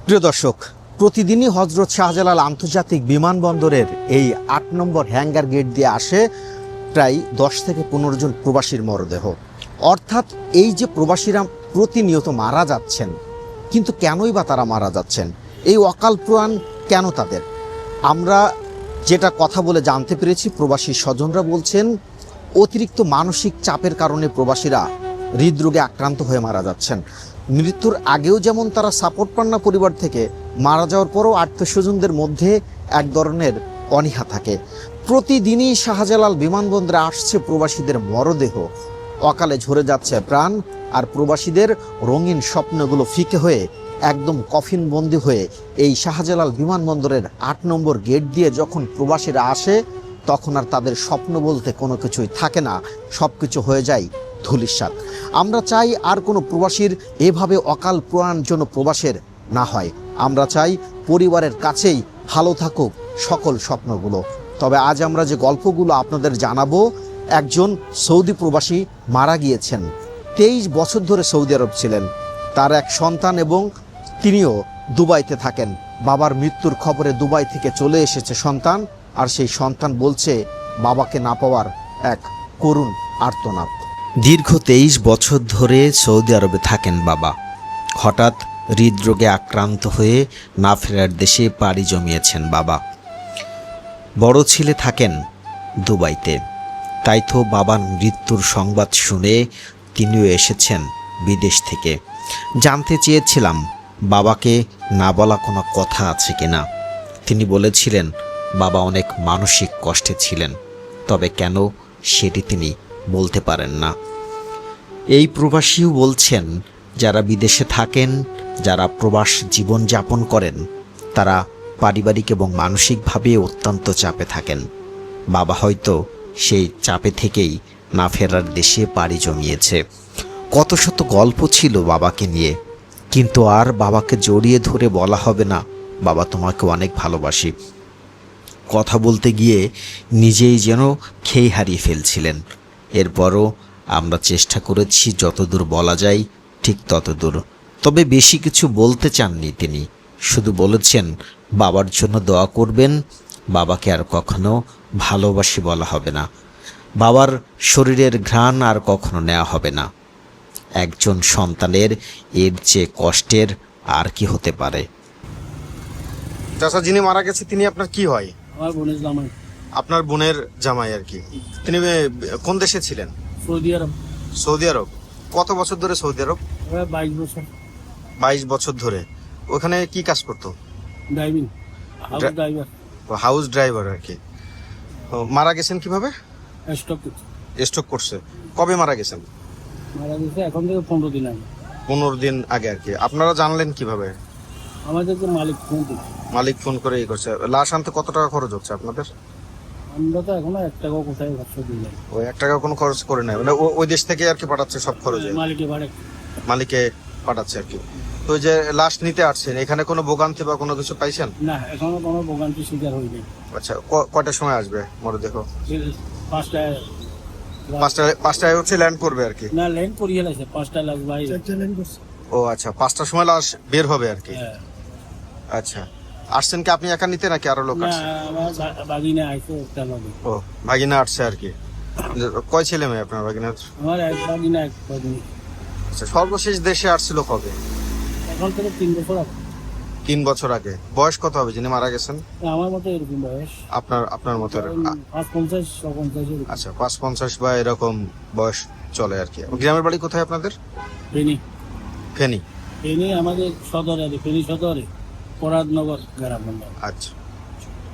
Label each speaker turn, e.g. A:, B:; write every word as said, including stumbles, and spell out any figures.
A: প্রিয় দর্শক, প্রতিদিনই হজরত শাহজালাল আন্তর্জাতিক বিমানবন্দরের এই আট নম্বর হ্যাঙ্গার গেট দিয়ে আসে প্রায় দশ থেকে পনেরো জন প্রবাসীর মরদেহ। অর্থাৎ এই যে প্রবাসীরা প্রতিনিয়ত মারা যাচ্ছেন, কিন্তু কেনই বা তারা মারা যাচ্ছেন, এই অকাল প্রাণ কেন তাদের? আমরা যেটা কথা বলে জানতে পেরেছি, প্রবাসী স্বজনরা বলছেন অতিরিক্ত মানসিক চাপের কারণে প্রবাসীরা হৃদরোগে আক্রান্ত হয়ে মারা যাচ্ছেন। মৃত্যুর আগেও যেমন তারা সাপোর্ট পান না পরিবার থেকে, মারা যাওয়ার পরও আত্মীয় স্বজনদের মধ্যে এক ধরনের অনীহা থাকে। প্রতিদিনই শাহজালাল বিমানবন্দরে আসছে প্রবাসীদের মরদেহ, অকালে ঝরে যাচ্ছে প্রাণ, আর প্রবাসীদের রঙিন স্বপ্নগুলো ফিকে হয়ে একদম কফিনবন্দি হয়ে এই শাহজালাল বিমানবন্দরের আট নম্বর গেট দিয়ে যখন প্রবাসীরা আসে, তখন আর তাদের স্বপ্ন বলতে কোনো কিছুই থাকে না, সব কিছু হয়ে যায় ধূলিসাৎ। আমরা চাই আর কোনো প্রবাসীর এভাবে অকাল প্রাণ যেন প্রবাসের না হয়। আমরা চাই পরিবারের কাছেই ভালো থাকুক সকল স্বপ্নগুলো। তবে আজ আমরা যে গল্পগুলো আপনাদের জানাবো, একজন সৌদি প্রবাসী মারা গিয়েছেন। তেইশ বছর ধরে সৌদি আরব ছিলেন, তার এক সন্তান এবং তিনিও দুবাইতে থাকেন। বাবার মৃত্যুর খবরে দুবাই থেকে চলে এসেছে সন্তান, আর সেই সন্তান বলছে বাবাকে না পাওয়ার এক করুণ আর্তনাদ। দীর্ঘ তেইশ বছর ধরে সৌদি আরবে থাকেন বাবা। হঠাৎ হৃদরোগে আক্রান্ত হয়ে না ফেরার দেশে পাড়ি জমিয়েছেন বাবা। বড় ছেলে থাকেন দুবাইতে, তাই তো বাবার মৃত্যুর সংবাদ শুনে তিনিও এসেছেন বিদেশ থেকে। জানতে চেয়েছিলাম বাবাকে না বলা কোনো কথা আছে কিনা। তিনি বলেছিলেন বাবা অনেক মানসিক কষ্টে ছিলেন, তবে কেন সেটি তিনি বলতে পারেন না। এই প্রবাসীও বলছেন যারা বিদেশে থাকেন, যারা প্রবাস জীবন যাপন করেন, তারা পারিবারিক এবং মানসিকভাবে অত্যন্ত চাপে থাকেন। বাবা হয়তো সেই চাপে থেকেই না ফেরার দেশে পাড়ি জমিয়েছে। কত শত গল্প ছিল বাবাকে নিয়ে, কিন্তু আর বাবাকে জড়িয়ে ধরে বলা হবে না বাবা তোমাকে অনেক ভালোবাসি। কথা বলতে গিয়ে নিজেই যেন খেই হারিয়ে ফেলছিলেন। এরপরও আমরা চেষ্টা করেছি যতদূর বলা যায় ঠিক ততদূর। তবে বেশি কিছু বলতে চাননি তিনি, শুধু বলেছেন বাবার জন্য দোয়া করবেন, বাবাকে আর কখনো ভালোবাসি বলা হবে না, বাবার শরীরের ঘ্রাণ আর কখনো নেওয়া হবে না। একজন সন্তানের এর চেয়ে কষ্টের আর কি হতে পারে?
B: চাচা যিনি মারা গেছে তিনি আপনার কি হয়?
C: আমার বোনের জামাই।
B: আপনার বোনের জামাই আর কি। তিনি কোন দেশে ছিলেন?
C: Saudi Arab.
B: Saudi Arab. কত বছর ধরে সৌদি আরব?
C: বাইশ বছর।
B: বাইশ বছর ধরে ওখানে কি কাজ করতো?
C: Driving, house driver.
B: House driver আর কি। মারা গেছেন কিভাবে?
C: স্ট্রোক।
B: স্ট্রোক করছে। কবে মারা গেছেন?
C: মারা গেছে এখন থেকে পনেরো দিন আগে।
B: পনেরো দিন আগে আর কি। আপনারা জানলেন কিভাবে?
C: আমাদের তো মালিক ফোন দিল।
B: মালিক ফোন করে এই করছে। লাশ আনতে কত টাকা খরচ হচ্ছে আপনাদের?
C: আমরা তো এখনো এক টাকাও কোথায় খরচ দিই না।
B: ওই এক টাকা কোনো খরচ করে নাই, মানে ওই দেশ থেকে আর কি পাঠাচ্ছে সব খরচে?
C: মালিকে ভাড়া
B: মালিকে পাঠাচ্ছে আর কি। তো ওই যে লাশ নিতে আসছেন, এখানে কোনো ভোগান্তি বা কোনো কিছু পাইছেন?
C: না, এখনো কোনো ভোগান্তি শিকার হয়নি।
B: আচ্ছা, কয়টার সময় আসবে মরদেহ?
C: পাঁচটায়।
B: পাঁচটায় পাঁচটায় হচ্ছে ল্যান্ড করবে আর কি।
C: না, ল্যান্ড করিয়ে লাগছে পাঁচটায় লাশ ভাই।
B: ও আচ্ছা, পাঁচটার সময় লাশ বের হবে আর কি।
C: হ্যাঁ।
B: আচ্ছা, আসছেন কি আপনি একা নিতে নাকি আরো লোক
C: না,
B: আসছে?
C: আমার বাগিনা আইছে একটা লগে।
B: ও, ভাগিনা আসছে আর কি। কয় ছেলে মেয়ে আপনার ভাগিনার?
C: আমার এক বাগিনা এক বাগিনী।
B: আচ্ছা, সর্বশেষ দেশে আসছিল কবে?
C: এখন থেকে তিন বছর আগে।
B: তিন বছর আগে। বয়স কত হবে যিনি মারা গেছেন?
C: আমার মতো এরকম বয়স।
B: আপনার আপনার মতো?
C: পাঁচ পঞ্চাশ পঞ্চাশ।
B: আচ্ছা, পাঁচ পঞ্চাশ বা এরকম বয়স চলে আর কি। গ্রামের বাড়ি কোথায় আপনাদের?
C: ফেনী।
B: ফেনী।
C: ফেনী আমাদের সদরে, ফেনী সদরে পরাদনগর গ্রাম।
B: আচ্ছা।